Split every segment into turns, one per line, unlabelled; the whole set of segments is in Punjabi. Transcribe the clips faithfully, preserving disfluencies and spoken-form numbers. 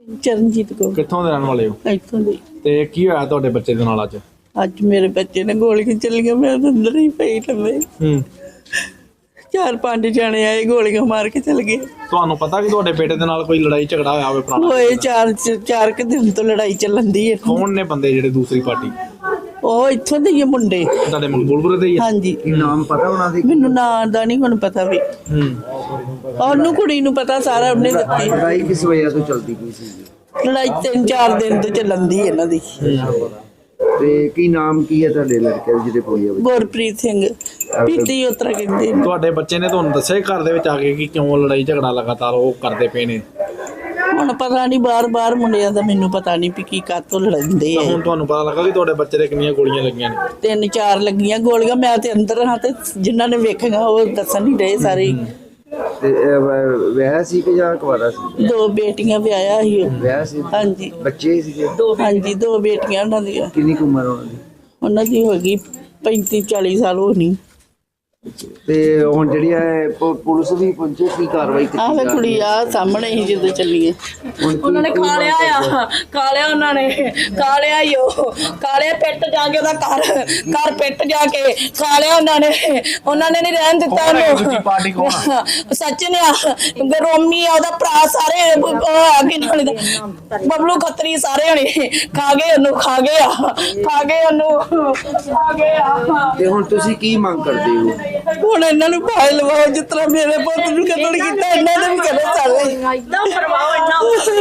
ਚਰਨਜੀਤ ਕੌਰ।
ਕਿੱਥੋਂ ਦੇ ਰਹਿਣ ਵਾਲੇ ਹੋ?
ਇੱਥੋਂ ਦੀ।
ਤੇ ਕੀ ਹੋਇਆ ਤੁਹਾਡੇ ਬੱਚੇ ਦੇ ਨਾਲ ਅੱਜ?
ਅੱਜ ਮੇਰੇ ਬੱਚੇ ਨੇ ਗੋਲੀਆਂ ਚੱਲੀਆਂ, ਮੈਂ ਤਾਂ ਅੰਦਰ ਹੀ ਪਈ ਲੰਮੇ।
ਹੂੰ।
ਚਾਰ ਪੰਜ ਜਾਣੇ ਆਏ, ਗੋਲੀਆਂ ਮਾਰ ਕੇ ਚਲ ਗਏ।
ਤੁਹਾਨੂੰ ਪਤਾ ਕਿ ਤੁਹਾਡੇ ਬੇਟੇ ਦੇ ਨਾਲ ਕੋਈ ਲੜਾਈ ਝਗੜਾ ਹੋਇਆ ਹੋਵੇ ਪੁਰਾਣਾ?
ਹੋਏ ਚਾਰ ਚਾਰ ਕੁ ਦਿਨ ਤੋਂ ਲੜਾਈ ਚੱਲਣ ਦੀ ਹੈ।
ਕੌਣ ਨੇ ਬੰਦੇ ਜਿਹੜੇ ਦੂਸਰੀ ਪਾਰਟੀ?
ਉਹ ਇੱਥੋਂ ਦੇ ਹੀ ਆ ਮੁੰਡੇ।
ਤੁਹਾਡੇ ਮਕਬੂਲਪੁਰ ਦੇ ਹੀ ਆ?
ਹਾਂਜੀ।
ਨਾਮ ਪਤਾ ਉਹਨਾਂ ਦੇ?
ਮੈਨੂੰ ਨਾਂ ਦਾ ਨਹੀਂ ਹੁਣ ਪਤਾ ਵੀ।
ਹੂੰ।
ਉਹਨੂੰ ਕੁੜੀ ਨੂੰ ਪਤਾ ਸਾਰਾ, ਉਹਨੇ ਦਿੱਤੀ।
ਲੜਾਈ ਕਿਸ ਵਜ੍ਹਾ ਤੋਂ ਚੱਲਦੀ ਪਈ ਸੀ?
ਲੜਾਈ ਤਿੰਨ ਚਾਰ ਦਿਨ ਤੋਂ ਚੱਲਣ ਦੀ ਇਹਨਾਂ ਦੀ।
ਤੇ ਕੀ ਨਾਮ ਕੀ ਹੈ ਤੁਹਾਡੇ ਲੜਕੇ ਦਾ ਜਿਹਦੇ ਕੋਈ ਹੈ?
ਗੁਰਪ੍ਰੀਤ ਸਿੰਘ ਪੀਤੀ ਉਤਰਾ ਕਹਿੰਦੇ ਨੇ।
ਤੁਹਾਡੇ ਬੱਚੇ ਨੇ ਤੁਹਾਨੂੰ ਦੱਸਿਆ ਘਰ ਦੇ ਵਿੱਚ ਆ ਕੇ ਕਿ ਕਿਉਂ ਲੜਾਈ ਝਗੜਾ ਲਗਾਤਾਰ ਉਹ ਕਰਦੇ ਪਏ ਨੇ?
ਹੁਣ ਪਤਾ ਨਹੀਂ, ਬਾਰ ਬਾਰ ਮੁੰਡਿਆਂ ਦਾ ਮੈਨੂੰ ਪਤਾ ਨਹੀਂ ਵੀ ਕੀ ਕਾਤੋਂ ਲੜਦੇ
ਤਾਂ
ਆ।
ਹੁਣ ਤੁਹਾਨੂੰ ਪਤਾ ਲੱਗਾ ਕਿ ਤੁਹਾਡੇ ਬੱਚੇ ਦੇ ਕਿੰਨੀਆਂ ਗੋਲੀਆਂ ਲੱਗੀਆਂ ਨੇ?
ਤਿੰਨ ਚਾਰ ਲੱਗੀਆਂ ਗੋਲੀਆਂ। ਮੈਂ ਤੇ ਅੰਦਰ ਹਾਂ ਤੇ ਜਿਨ੍ਹਾਂ ਨੇ ਵੇਖੀਆਂ ਉਹ ਦੱਸਣ ਨਹੀਂ ਰਹੇ ਸਾਰੇ।
ਤੇ ਵਿਆਹ ਸੀ ਕਿ ਜਾਂ ਕੁਆਰਾ ਸੀ?
ਦੋ ਬੇਟੀਆਂ ਵਿਆਹਿਆ ਸੀ ਉਹ।
ਵਿਆਹ ਸੀ?
ਹਾਂਜੀ।
ਬੱਚੇ ਸੀਗੇ?
ਹਾਂਜੀ, ਦੋ ਬੇਟੀਆਂ ਉਹਨਾਂ ਦੀਆਂ।
ਕਿੰਨੀ ਕੁ ਉਮਰ ਉਹਨਾਂ ਦੀ?
ਉਹਨਾਂ ਦੀ ਹੋ ਗਈ ਪੈਂਤੀ ਚਾਲੀ ਸਾਲ ਹੋਣੀ।
ਤੇ ਹੁਣ ਜਿਹੜੀ ਹੈ ਪ- ਪੁਲਿਸ ਵੀ ਪਹੁੰਚੇ, ਕੀ ਕਾਰਵਾਈ ਕੀਤੀ
ਆਹ ਵੇ
ਜਾ ਰਹੀ
ਕੁੜੀ ਆ ਸਾਹਮਣੇ ਹੀ ਜਦੋਂ ਚੱਲੀਏ।
ਹੁਣ ਕੀ-
ਉਹਨਾਂ ਨੇ
ਕੀ
ਖਾ ਲਿਆ ਆ, ਖਾ ਲਿਆ ਉਹਨਾਂ ਨੇ, ਖਾ ਲਿਆ ਈ ਉਹ, ਖਾ ਲਿਆ ਪਿੱਟ ਜਾ ਕੇ ਉਹਦਾ ਘਰ ਘਰ ਪਿੱਟ ਜਾ ਕੇ ਖਾ ਲਿਆ ਉਹਨਾਂ ਨੇ। ਉਹਨਾਂ ਨੇ ਨਹੀਂ ਰਹਿਣ ਦਿੱਤਾ
ਕੌਣ ਹੈ ਦੂਜੀ
ਉਹਨੂੰ।
ਪਾਰਟੀ ਕੌਣ ਆ?
ਸਚਿਨ ਆ, ਰੋਮੀ ਆ, ਉਹਦਾ ਭਰਾ, ਸਾਰੇ ਅੱਗੇ ਨਾਲ ਬਬਲੂ ਖੱਤਰੀ, ਸਾਰੇ ਹਣੇ ਖਾ ਗਏ ਉਹਨੂੰ, ਖਾ ਗਏ ਆ, ਖਾ ਗਏ ਉਹਨੂੰ, ਖਾ ਗਏ ਆ।
ਤੇ ਹੁਣ ਤੁਸੀਂ ਕੀ ਮੰਗ ਕਰਦੇ ਹੋ?
ਹੁਣ ਇਹਨਾਂ ਨੂੰ ਭਾਈ ਲਵਾਓ, ਜਿਸ ਤਰ੍ਹਾਂ ਮੇਰੇ ਪੁੱਤ ਨੂੰ ਕਤਲ ਕੀਤਾ ਇਹਨਾਂ ਨੇ ਵੀ ਕਰੇ ਸਾਰੇ।
ਇਦਾਂ ਕਰਵਾਓ ਇਹਨਾਂ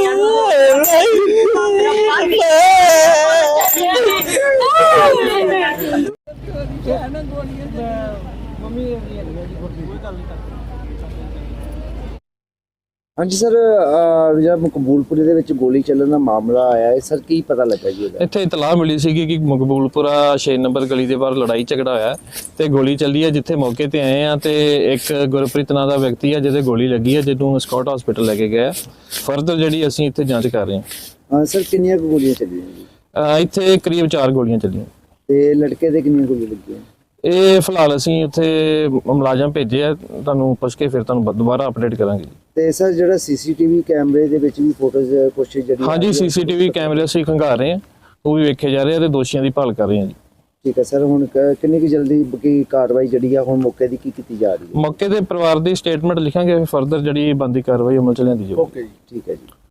ਹਾਂਜੀ ਸਰ, ਜਿਹੜਾ ਮਕਬੂਲਪੁਰੇ ਦੇ ਵਿੱਚ ਗੋਲੀ ਚੱਲਣ ਦਾ ਮਾਮਲਾ ਆਇਆ ਹੈ ਸਰ, ਕੀ ਪਤਾ ਲੱਗਾ ਜੀ ਉਹਦਾ?
ਇੱਥੇ ਇਤਲਾਹ ਮਿਲੀ ਸੀ ਕਿ ਮਕਬੂਲਪੁਰਾ ਛੇ ਨੰਬਰ ਗਲੀ ਦੇ ਬਾਹਰ ਲੜਾਈ ਝਗੜਾ ਹੋਇਆ ਤੇ ਗੋਲੀ ਚੱਲੀ ਹੈ। ਜਿੱਥੇ ਮੌਕੇ ਤੇ ਆਏ ਆ ਤੇ ਇੱਕ ਗੁਰਪ੍ਰੀਤ ਨਾਂ ਦਾ ਵਿਅਕਤੀ ਆ ਜਿਹਦੇ ਗੋਲੀ ਲੱਗੀ ਹੈ, ਜਿਹਨੂੰ ਸਕਾਟ ਹਸਪੀਟਲ ਲੈ ਕੇ ਗਏ। ਫਰਦਰ ਜਿਹੜੀ ਅਸੀਂ ਇੱਥੇ ਜਾਂਚ ਕਰ ਰਹੇ ਹਾਂ।
ਹਾਂ ਸਰ, ਕਿੰਨੀਆਂ ਕੁ ਗੋਲੀਆਂ ਚੱਲੀਆਂ ਜੀ?
ਅਹ ਇੱਥੇ ਕਰੀਬ ਚਾਰ ਗੋਲੀਆਂ ਚੱਲੀਆਂ।
ਤੇ ਲੜਕੇ ਦੇ ਕਿੰਨੀਆਂ ਗੋਲੀਆਂ ਲੱਗੀਆਂ?
ਇਹ ਫਿਲਹਾਲ ਅਸੀਂ ਉੱਥੇ ਮੁਲਾਜ਼ਮ ਭੇਜੇ ਆ, ਤੁਹਾਨੂੰ ਪੁੱਛ ਕੇ ਫਿਰ ਤੁਹਾਨੂੰ ਦੁਬਾਰਾ ਅਪਡੇਟ ਕਰਾਂਗੇ।
ਤੇ ਸਰ ਜਿਹੜਾ ਸੀਸੀਟੀਵੀ ਕੈਮਰੇ ਦੇ ਵਿੱਚ ਵੀ ਫੋਟੋਜ਼ ਕੁਛ ਜਿਹੜੀ?
ਹਾਂਜੀ, ਸੀਸੀਟੀਵੀ ਕੈਮਰੇ ਅਸੀਂ ਖੰਗਾਰ ਰਹੇ ਹਾਂ, ਉਹ ਵੀ ਵੇਖੇ ਜਾ ਰਹੇ ਆ ਤੇ ਦੋਸ਼ੀਆਂ ਦੀ ਭਾਲ ਕਰ ਰਹੇ ਹਾਂ ਜੀ।
ਠੀਕ ਹੈ ਸਰ, ਹੁਣ ਕ- ਕਿੰਨੀ ਕੁ ਜਲਦੀ ਕੀ ਕਾਰਵਾਈ ਜਿਹੜੀ ਆ ਹੁਣ ਮੌਕੇ ਦੀ ਕੀ ਕੀਤੀ ਜਾ ਰਹੀ ਹੈ?
ਮੌਕੇ ਤੇ ਪਰਿਵਾਰ ਦੀ ਸਟੇਟਮੈਂਟ ਲਿਖਾਂਗੇ, ਫਰਦਰ ਜਿਹੜੀ ਬਣਦੀ ਕਾਰਵਾਈ ਅਮਲ ਚ ਲਿਆਂਦੀ ਜਾਊਗੀ।
ਓਕੇ ਜੀ, ਠੀਕ ਹੈ ਜੀ।